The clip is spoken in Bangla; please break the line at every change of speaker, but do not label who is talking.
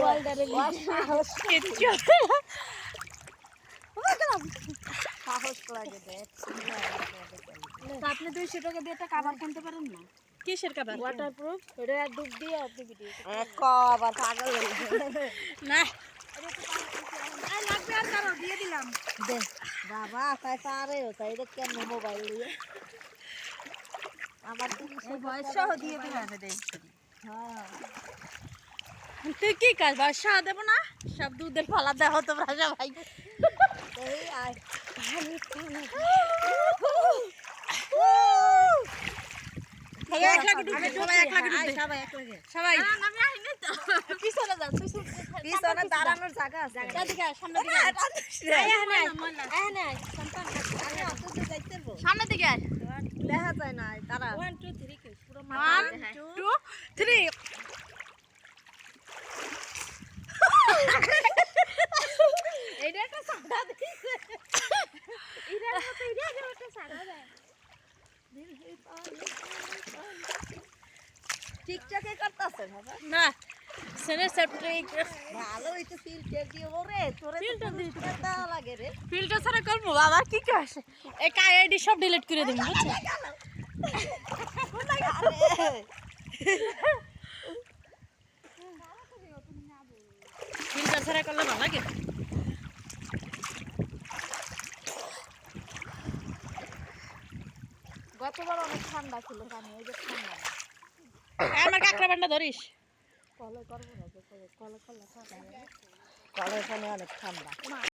আপনি 200 টাকা দিয়ে একটা কভার কিনতে পারেন না?
কিসের কভার?
ওয়াটারপ্রুফ। এটা ডুব দিয়ে আপনি ভিডিও
কবার পাগল
না
এই লাগবে আর কারো দিয়ে দিলাম।
দে বাবা তাই পারে তাই এটা কেন মোবাইল দিয়ে আমার
এই বয়স সহ দিয়ে দিলাম দেই।
হ্যাঁ
তুই কি কাজ বাসা দেব না সব দুধের ফালা দেওয়া তোমরা সবাই
এই আয়
সবাই এক লাখ ডুবে সবাই এক লাখ ডুবে
সবাই এক লাগে
সবাই
আমি আইনি তো।
পিছনে যা তুই
পিছনে দাঁড়ানোর জায়গা আছে
দিকে সামনে দিকে
আমি অত দূর যাইতে পারবো
সামনে দিকে
দেখা যায় না তারা
1 2 3 কে পুরো
1 2 3
এইটা একটা সাদা দিছে। এটার মতো এটা একটা সাদা দেয়।
টিকটকে করতেছে বাবা
না সেনে সেপ্টিক
ভালো হইতো ফিল্টার দিয়ে ওরে তোরে
Filter দিই।
ফিল্টার দেওয়া লাগে রে
ফিল্টার ছাড়া করব বাবা কি কাজ এই আইডি সব ডিলিট করে দেব বুঝছো ফিল্টার ছাড়া করলে ভালো লাগে
গতবার অনেক ঠান্ডা ছিল পানি এই যে ঠান্ডা
আমার কাকড়া বান্ডা ধরিস
কলে করবো না কলে পানি অনেক ঠান্ডা